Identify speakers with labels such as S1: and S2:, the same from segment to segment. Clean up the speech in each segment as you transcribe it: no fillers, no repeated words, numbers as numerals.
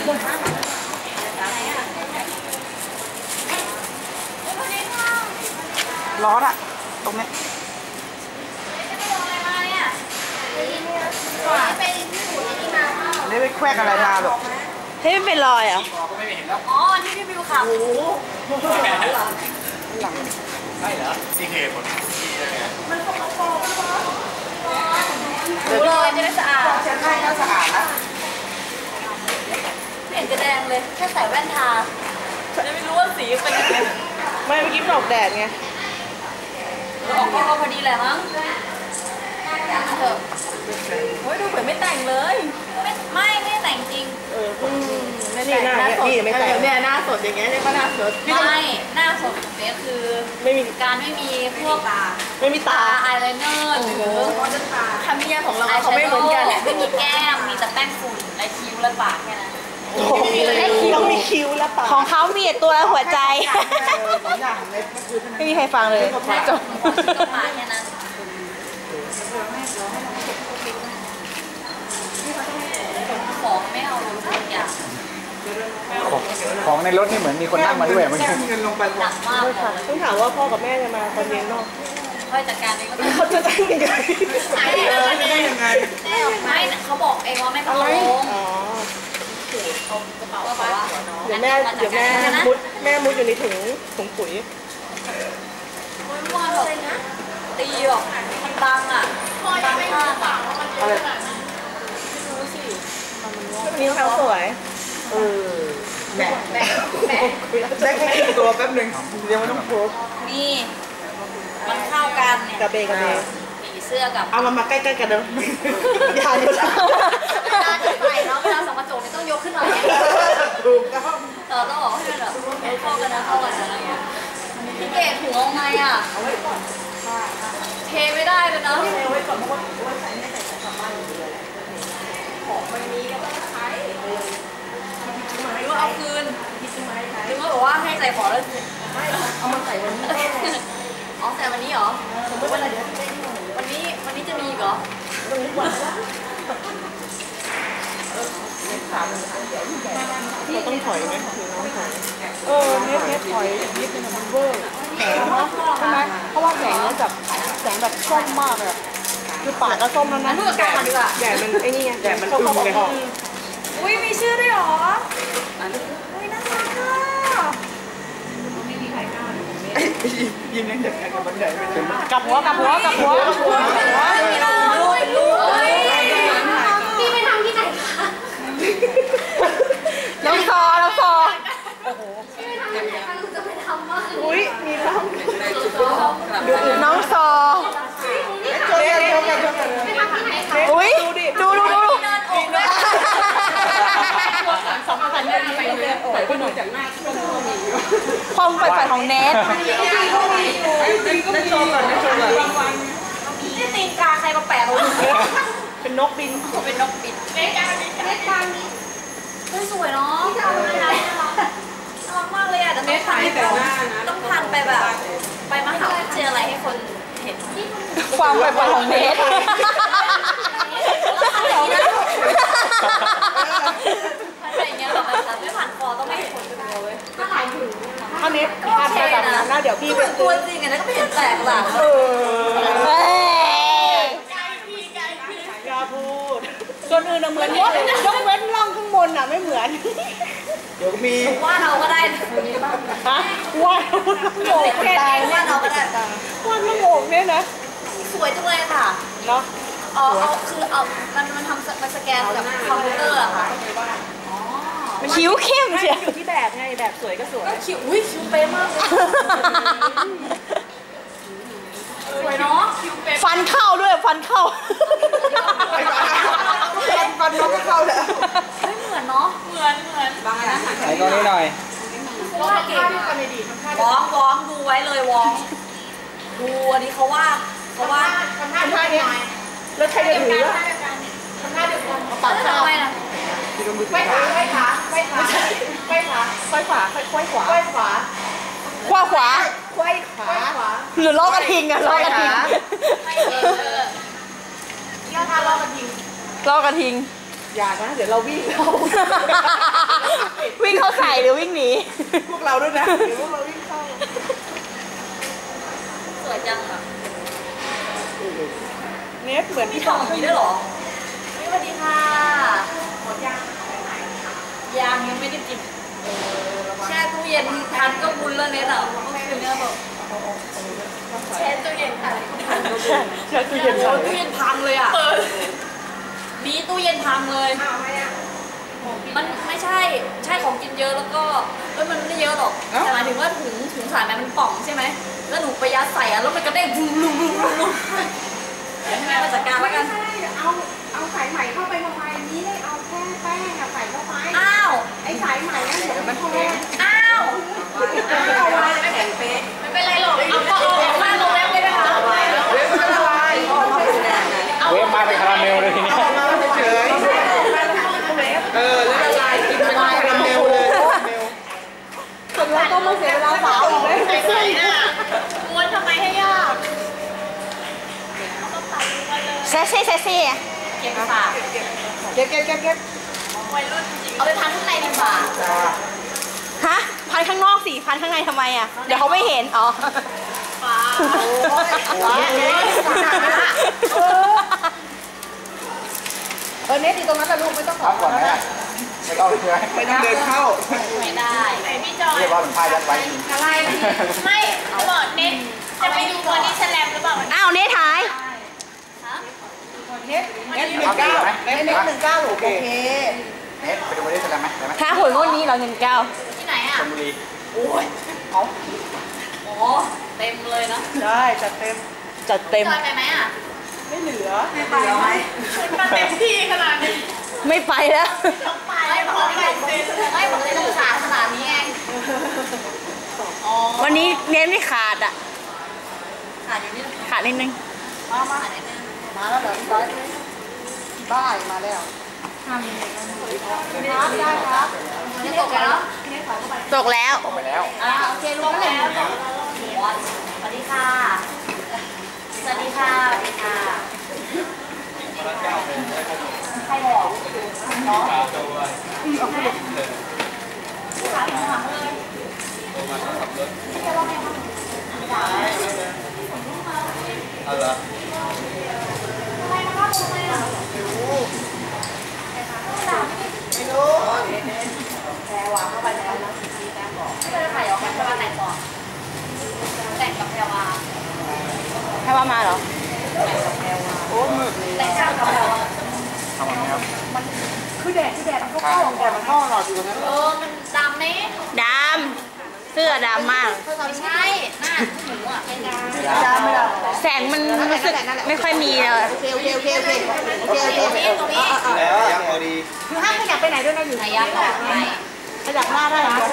S1: ร้อนอะตรงนี้ได้ไปแควกอะไรมาหรอเฮ้ยไม่เป็นรอยอ่ะ
S2: อ๋อที่พี่บิวขับโอ้โห
S1: หลัง
S3: ใช่เหรอที่เหตุผล
S2: มันสกปรกดูเลยจะได้สะอาด
S1: เช็ดให้ก็สะอาดนะ
S2: ไม่เห็นจะแดงเลยแค่ใส่แว่นทาจะไม่รู้ว่าสีเป็นยังไง
S1: ไม่เมื่อกี้มันออกแดดไง
S2: ออกก็พอดีแหละมั้งเถอะโอ้ยดูเหมือนไม่แต่งเลยไม่แต่งจริง
S1: นี่หน้านี่ไม่แต่ง
S2: เนี่ยหน้าสดอย่างเงี้ยเนี่ยก็หน้าสดไม่หน้าสดเนี่ยคือ
S1: ไม่มี
S2: การไม่มีพวก
S1: ไม่มีตา
S2: อายไลเนอร์หรือทำเนียของเราเขาไม่เหมือนกันไม่มีแก้มมีแต่แป้งฝุ่นและคิ้วและปากแค่นั้น
S1: ต้องมีคิ้วและปาก
S4: ของเขามีตัวหัวใจไม่มีใครฟังเลยจบ
S2: ปากแค่นั้นของไม่เอาทุกอย่าง
S3: ของในรถนี่เหมือนมีคนนั่งมาด้วยเมื่อกี้
S2: หนักมาก
S1: ต้องถามว่าพ่อกับแม่จะมาตอนเย็นเนาะ
S2: ค่อยจัดการเองก็ได้
S1: เขาจะได้ยังไง
S2: ได้ยังไงไม่เขาบอกเองว่าไม่ต้องลง
S1: เดี๋ยวแม่มุดอยู่ในถุงปุ๋ย
S2: ไม่ว่าหรอกตีหรอกมันดังอ่ะดังมากอ่ะ
S1: อะไรนี่เขาสวยแม่ได้แค่ตัวแป๊บนึงเดี๋ยวมันต้องโพส
S2: นี่มันเข้ากันเนี่ย
S1: กระเบ
S2: ผีเสื้อกับ
S1: เอามาใกล้ๆกันเดิมอย่าเยอะ
S2: เวลาถือไปเนาะเวลาส่องกระจกนี่ต้องยกขึ้นมา
S1: ถูก
S2: ต้องบอกให้มันแบบเข้ากันนะอะไรเงี้ยพี่เกดถุงเอาไงอ่ะเทไม่ได้เลยนะ
S1: เทไว้ก่อนเพราะว่าใส่ไม่ใส่กลับบ้านอยู่เลย
S2: ของมันมีก็ต้องใช้หรือว่าเอาคืนหรือว่าบอกว่าให้ใส่ของแล้ว
S1: ไม่เอามาใส่วันนี้
S2: อ๋อใส่วันนี้เหรอสมมติว่าวันนี้จะมีเหรอ
S1: วันนี้วันเราต้องถอยไหมคือน้องถอยเน็ตถอยนิดนึงมันเวอร์ใช่ไหมเพราะว่าแสงเนี่ยแบบแสงแบบส้มมากเลยคือปากก็ส้มแล้วนะแดดมันไอ้นี่ไงแดดมันอึมเลย
S2: อุ้ยมีชื่อด้วยหรออุ้ยน่ารักค่ะไม่มีใครกล้า
S1: ยิ้มยังเด็กกันกับบันไดไม่ได้
S4: กับหัว
S2: พี่ไปทำที่ไหนคะ
S4: น้องซอ
S2: พี่ไปทำที่ไหนคะคุณจะไปทำว่า
S1: อุ้ยมีล้ำ
S4: น้องซออุ้ยดูความใฝ่ฝันของเนท
S1: ได้โชว์ก่อน
S2: นี่ตีนกาใครมาแปะลง
S1: เป็นนกบิน
S2: เป็นนกบินเล็กกานี้สวยเนาะน่ารักมากเลยอ่ะแต่ต้องพันไปแบบไปมหาวิทยาลัยให้คนเห็น
S4: ความใฝ่ฝันของเนท
S2: อะไรเงี้ยแบบไม่ผ่านคอต้องไม่เห็นคนดูเลยถ้าหลายถึง
S1: ท่านี้ท่าไปแบบนั้นนะเดี๋ยวพี่
S2: เป็นตัวจริงอะนะก็ไม่เห็นแปลกหลัง
S1: กล้าพูดส่วนอื่นเหมือนยกเว้นร่องข้างบนอ่ะไม่เหมือนเดี๋ยวมี
S2: ว่าเราก็ได้
S1: ฮะว่า
S2: โง่แค่นี้ว่าเราก็ได้
S1: ว่าน้ำโง่เนี่ยนะ
S2: สวยจังเลยค่ะ
S1: เนาะ
S2: คือมันทำมันสแกนกับคอมพิวเตอร์อะค่ะ
S4: คิ้วเข้มเชียว
S1: อยู่ที่แบบไงแบบสวยก็สวย
S2: คิ้วคิ้วเป๊ะมากเลยสวยเนาะ
S4: ฟันเข้าด้วยฟันเข้า
S1: ฟันน้องก็เข้าแล้ว
S2: ไม่เหมือนเนาะเหมือนบางอันนะ
S3: ไหนตรงนี้หน่อย
S2: ว่าเก่งวองดูไว้เลยวองดูอันนี้เขาว่าทำท่า
S1: นี้แล้วใครจะถือ
S2: ทำท่าเดียวกันตัดข้าวนะไขว้ขา
S4: หรือล้อกระทิงอะล้อกระทิง
S2: ย่อท่าล้อกระทิง
S1: อย่านะเดี๋ยวเราวิ่งเข้า
S4: วิ่งเข้าใส่หรือวิ่งหนี
S1: พวกเราด้วยนะเดี๋ยวพวกเราวิ่งเข้า
S2: สวยจังอ่ะ
S1: เนทเหมือน
S2: มี
S1: ที่
S2: กล่องอย่างนี้ด้วยเหรอสวัสดีค่ะหมดยังยังไม่ได้กินแช่ตู้เย็นทันก็บุญแล้วเน็ตอ่ะเมื่อคืนเนี่ยแบบแช่ตู้เย็นทันก็บุญ
S1: ใช่ตู้เย็น
S2: โอ้ตู้เย็นพังเลยอ่ะมีตู้เย็นพังเลยมันไม่ใช่ของกินเยอะแล้วก็มันไม่เยอะหรอกแต่หมายถึงว่าถุงสายไหมมันป่องใช่ไหมแล้วหนูไปยัดใส่อ่ะแล้วมันกระเด้งลุมให้แม่มาจัดการแล้วกัน
S5: เอาสายไหมเข้าไปทำไมนี้ได้เอาแค่แป้งอะใส่เข้าไป
S2: อ้าว
S5: ไอ้สายไหมนั่นเดี๋ยวมันแข็ง
S2: อ้าวไม่เป็นไรหรอกเอาข้าวลงแล้วไม่ได้ค่ะ
S1: เว็บมันละลาย
S3: เวฟมาเป็นคาราเมลเลยทีนี้
S1: เฉยแล้วละลายกินเป็นคาราเมลเลยคนเราต้องมาเสียเวลาสาวอีกเลย
S2: ม้วนทำไมให้ยาก
S4: เซ่เซ่เซ่เซ่
S2: เก็บฝาก
S1: เก็บ
S2: วัยรุ่นจริงเอาไปพันข้างในดีกว่า
S4: ฮะพันข้างนอกสิพันข้างในทำไมอ่ะเดี๋ยวเขาไม่เห็นอ๋อ
S2: ฟ้า
S1: เนทอยู่ตรงนั้นแหละลูกไม่ต้องขอ
S3: พักก่อนไหมอะไม่ต้องเลยใช่ไหม
S1: ไม่ต้องเดินเข้า
S2: ไม่ได้ไหนพี่จอย
S3: เรียกว่าเป็นผ้ายัดไว้
S2: อะไรไม่เขาบอกเน็ตจะไปดูบอดี้สแลมหรือเปล่า
S4: อ้าวเนทหาย
S2: ฮะ
S1: เนท19เนท19โอเค
S3: เน็ตไปดูบริษัทแล้วไหมได้ไหม
S4: ถ้าหวยงวดนี้เราเงินเก้า
S2: ที่ไหนอ่ะ
S3: ชลบุรี
S2: โอ้ยโอ้เต็มเลยนะ
S1: ได้จัดเต็ม
S4: จัดเต็ม
S2: จอยไปไหมอ่ะ
S1: ไม่เหลือ
S2: ไปไหมคุณมาเต็มที่ขนาดนี้
S4: ไม่ไปแล้ว
S2: ไม่บอกเลยต้องขาขนาดนี้เองอ๋อ
S4: วันนี้เน้นไม่ขาดอ่ะ
S2: ขาดอยู่นี่
S4: ขาดนิดนึง
S2: ขาดนิดนึง
S1: มาแล้วเหรอพี่บ้ายมาแล้วได้ครับ
S2: นี่ตกแล้ว
S4: ตกแล้ว
S3: ออกไปแล้ว
S2: โอเครู้แล้วสวัสดีค่ะ สวัสดีค่ะ สวัสดีค่ะ ใครบอกน้องขาหักเลยทำไมนะครับทำไมอ่ะ
S1: ไม่รู้
S2: ไม่ได้ถ่ายออกมาแพรวาแต่งก่อนแต่งกับแพรวา
S4: ให้ว่ามาเหรอ
S1: โอ้มืดเลย
S2: แต่งข้างกับแพรวา
S3: ทำอะไรครับ
S1: คือแดดมันก็เข้าแดดมันเข้าหลอดอยู่ตรงนั้น
S2: มันดำไหม
S4: ดำเสื้อดำมาก
S2: ไม่ใช่หน้าหนูอ่ะเป็นดำ
S3: ไม่ได้
S1: ไม่ได้
S4: แสงมันรู้สึกไม่ค่อยมีเลย
S1: โอเค
S2: ตรงนี้
S3: แล้วยังพอดี
S1: คือห้ามขยับไปไหนด้วยนะอยู่
S2: ไหนยักษ์บอกไหน
S1: ขยับหน้าได้นะ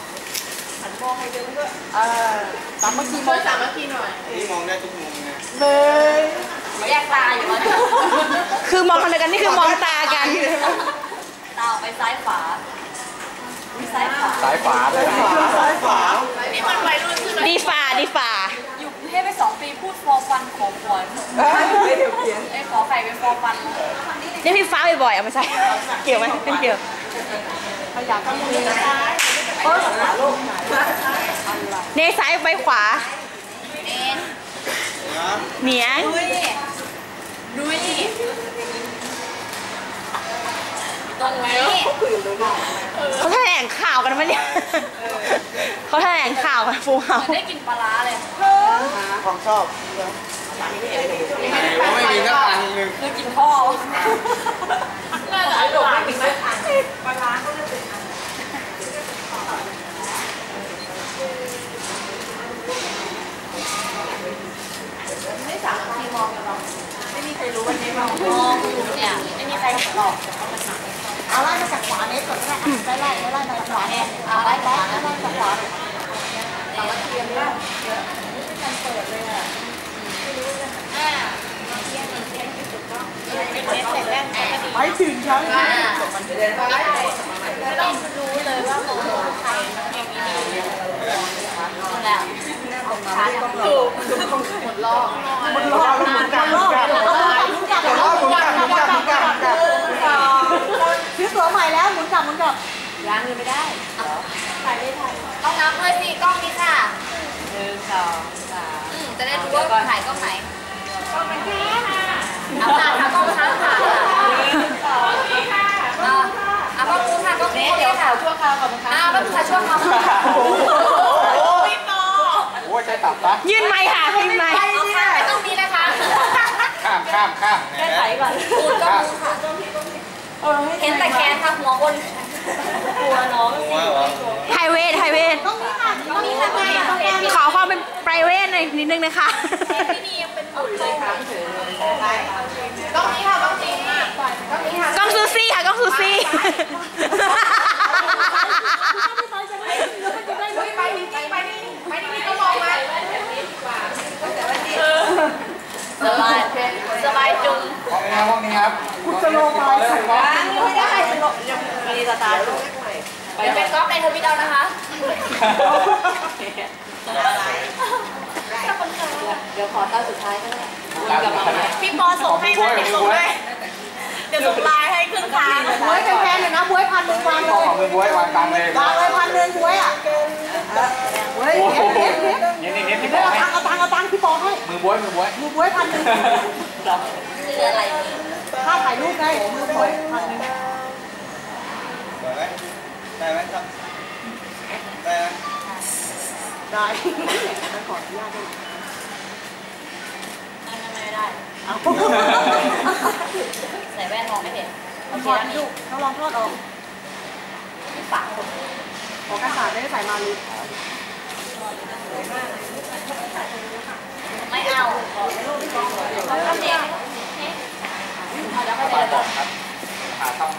S1: สามัคคีมอง
S3: นี่มองได้ทุกมุมไง
S1: เลย
S2: แยกตาอยู่แล้ว
S4: คือมองกันเดียวกันนี่คือมองตากัน
S2: ตาออกไปซ้ายขวาซ้ายขวา
S3: สายฝาเลย
S1: ซ้ายขวา
S2: นี่มันวัยรุ่นใช่ไหม
S4: ดีฝ่าดีฝ่า
S2: อยู่กรุงเทพไป2 ปีพูดฟอร์ฟันขอหวย
S1: ไม่เดี๋ยวเขียน
S2: ไอ้ขอไข่เป็นฟอร์ฟัน
S4: เรียกพี่ฟ้าบ่อยๆเอาไม่ใช่ เกี่ยวไหมไม่เกี่ยว
S1: ขยับข้างมือโอ้ยขาลูก
S4: เนซ้ายไปขวา
S2: เอ็น
S4: เหนียง
S2: ดูนี่ตรงนี้
S4: เขาแถลงข่าวกันไหมเนี่ยเขาแถลงข่าวกันฟูเฮา
S2: มันได้กินปลาร้าเลย
S1: ของชอบ
S3: ไม่มีสักอันหนึ่ง
S2: คือกินข้อน่าจะอร่อยไหมปลาร้าก็จะเป็นไม่สามารถมองกันหรอกไม่มีใครรู้วันนี้มองอยู่เนี่ยไม่มีใครเห็นหรอก
S1: เอาไล่มาจากขวาเนสก่อนก็ได้ไล่มาจากขวา
S2: เนี่ยเอาไล่ขวานะ
S1: ไล่จากขวา ไปถึงชั้น
S2: ไม่ต้องรู้เลยว่าเขาใครอย่างนี้นี่แหละขาถูกหมดรอบ
S1: มันรอดมันกัดมันกัดมันกัดมันกัดมันกัดกลับมันกลับ
S4: ล้างมือไม่ได้
S2: ถ่ายไม่ถ่ายต้องนับเลยสิกล้องนี้ค่ะ
S4: 1 2 3
S2: จะได้รู้ว่าถ่ายกล้องไหนกล้องไหนค่ะเอาค่ะทำกล้องช้าค่ะเอากล้องนู้นค่ะกล้องนี้
S4: เดี๋ยวข่าวชั่วคราวก่อนนะคะ
S2: กล้องค่ะช่วงเขาพี่ปอ
S3: โอ้ยใช่ตับปะ
S4: ยื่นไมค์ค่ะยื่นไมค์
S2: เอาค่ะไปตรงนี้นะคะ
S3: ข้าม
S4: แก้ไขก่อน
S2: ปูนก็ปูนค่ะเห็นแต่แคนค่ะหัวคนกลัวน้อง
S3: หัวเหรอ
S4: ไฮเวท
S2: ต้องมีค่ะต้องเห็น
S4: ขอความเป็น private หน่อยนิดนึงนะคะ
S2: พี่นียังเป็นหุ่นเลยค่ะต้องนี้ค่ะต้องนี้ต้องนี้ค่ะ
S4: กล้องซูซี่ค่ะกล้องซูซี่
S2: ไปนี่ก็มองมาสบายจุง
S3: ห้องนี้ครับ
S1: จะโลไปใส่บ้าน
S2: ไม่ได้มีสตาร์ทเดี๋ยวเป็นก๊อฟในทวิตเอานะคะ
S4: เดี๋ยวขอตอนสุดท้ายก็ได้
S2: พี่ปอส่งให้ไหมเดี๋ยวส่งให้เดี๋ยวส่งไลน์ให้ครึ่งทาง
S1: บวยแพงๆเลยนะบวย1,000วางเลย
S3: ของมือบวยวางตังเลยว
S1: างเลย1,000บวยอ่ะบวยเน็ต
S3: นี่พี่บ
S1: เอา
S3: อกให้
S1: ตังค์พี่ปอให้
S3: มือบวย
S1: มือบวย1,000
S2: คืออะไร
S1: ค่าถ่ายรูปไงมือบวย1,000
S3: สวยไหมได้ไหมครับได้ไหม
S1: ได้ขออนุญาตด้วย
S2: ไม่ได้ใส่แว่นมองไม่เห็นโอเค
S1: ถอด
S2: แล้วนี่
S1: ลูกเขาลองทอดออก
S2: ที่ปากผม
S1: ขอกระสาได้ใส่มาลี
S2: ไม่เอาทำเองเอาแล้วก็
S3: ปา
S2: เดี๋ยว
S3: บอกครับหาต้อง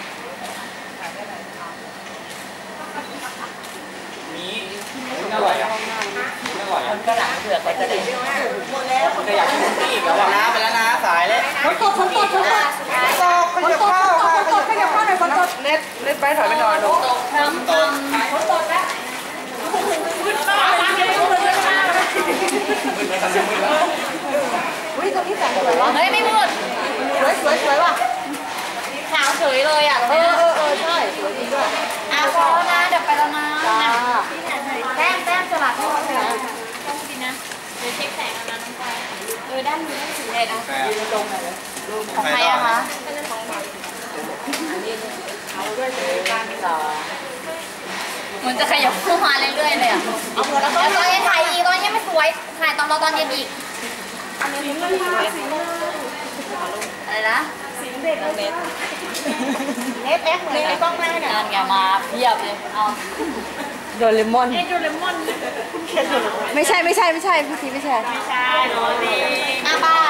S3: มีอร่อยอ่ะอร่อยอ่ะ
S4: ก็หลังเผือกไปจะได้
S3: จะอยากกินนี่อีกแล้วนะไปแล้วนะสายเลย
S1: ฝนตกขยับข้าวค่ะขยับข้าวหน่อยฝนตกเน็ตไปถอยไปหน่อยลูก
S2: ตกน้ำต้นฝนตกแล้วขึ้นมาขึ้นมา
S1: อุ้ยตรงนี้แสงสวยว่ะ
S2: เฮ้ยไม่มืด
S1: สวยว่ะ
S2: ขาวเฉยเลยอ่ะ
S1: ใช่สวยจริงด้วย
S2: พอแล้วนะเดี๋ยวไปแล้วนะ
S1: จ้า
S2: แต้มสลัดให้เขาเลยต้องดีนะเดี๋ยวเช็คแสงเอานะน้องปอยด้านนี้ได้ถึงเลยนะ ของใครอะคะเหมือนจะขยับเข้ามาเรื่อยๆเลยอ่ะแล้วตอนนี้ถ่ายอีกตอนนี้ไม่สวย ถ่ายตอนเย็นอีกอะไรนะ
S1: เน็ตแอคเหมือนในกล้องหน้าเนี่ย
S2: งานแกมาเพียบเลย เอา
S4: โดเรมอน
S2: โดเรมอน
S4: ไม่ใช่พี่ทีไม่ใช่
S2: ใช่โรดีหน้าบ้าน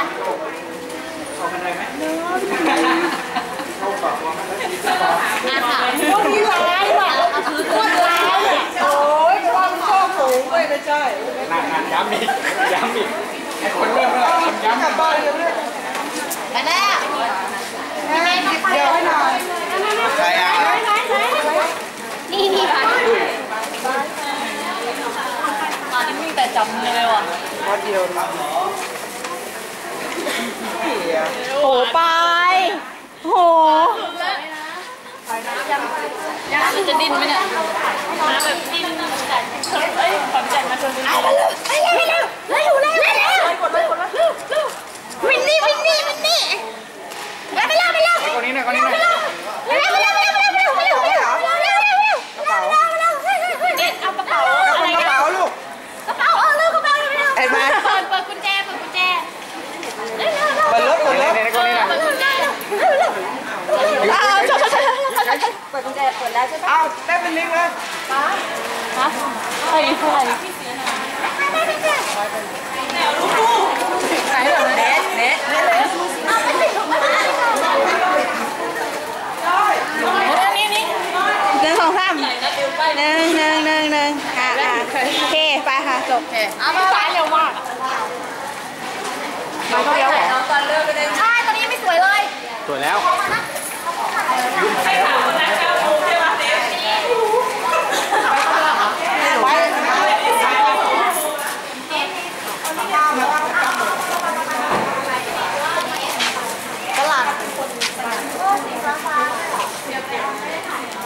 S2: อาค่ะ
S1: พวกนี้ร้ายว่ะ
S2: เอาถือตัวร้าย
S1: โอ้ยความชอบสูงเลยไม่ใช่
S3: นั่นย้ำอีกไอ้คนเริ่มแล้วย้ำ
S1: กลับบ้านเลยเนี่ย
S2: ไปแล้ว
S1: เดี๋ยวให้หน่อย
S3: ใครอ่ะ
S2: นี่ค่ะตอนนี้มึงแต่จำเลยว่ะ
S1: วัดเดียวนะ
S4: โหไปโห
S2: ยังจะดิ้นไหมเนี่ยมาแบบดิ้นแต่ความใจมาชนกัน
S4: วินนี่ไปแล้ว
S3: คนนี้หน่อยคนนี้หน่อย
S2: เด็ดเอากระเป๋าอะไร
S1: กระเป๋าลูก
S2: กระเป๋าเร็วกระเป๋าเร็ว
S1: เห็นไหม
S2: เปิดกุญแจ
S1: เปิดรถเปิดรถ
S3: คนนี้คนนี้นะ
S2: เปิดกุญแจ
S1: เปิดกุญแจเปิดแล้วใช่ปะอ้าวได้เป็นลิงเลย
S4: ใคร
S1: ไหนเหรอเน็ต
S2: นี่
S4: 1 2 3 1 โอเคไปค่ะจบ
S2: เอามาเร็วมาก
S1: มาเดียวเหรอ
S2: ใช่ตอนนี้ไม่สวยเลย
S3: สวยแล้ว
S1: ตลาด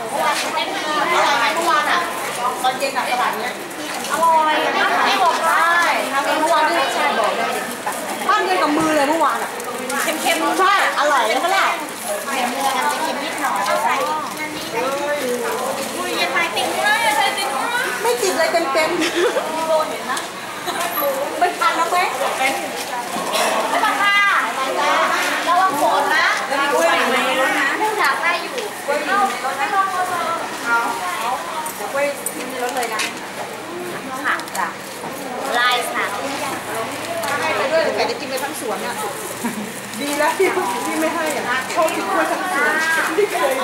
S5: เป็น
S2: มีโบเห็นนะ
S5: ไม่ทันแล้วไหม
S2: ไม่ต้องค่ะระวังฝนนะอยากได้อยู่ไม่ลองเลย
S5: กล้วยกินในรถเลยนะ
S2: ค่ะจ้ะลายสาว
S5: ให้ไปด้วยแต่จะกินไปทั้งสวนอ่ะดีแล้วที่ไม่ให้อ่ะชอบกินกล้วยทั้งสวนไม่เคย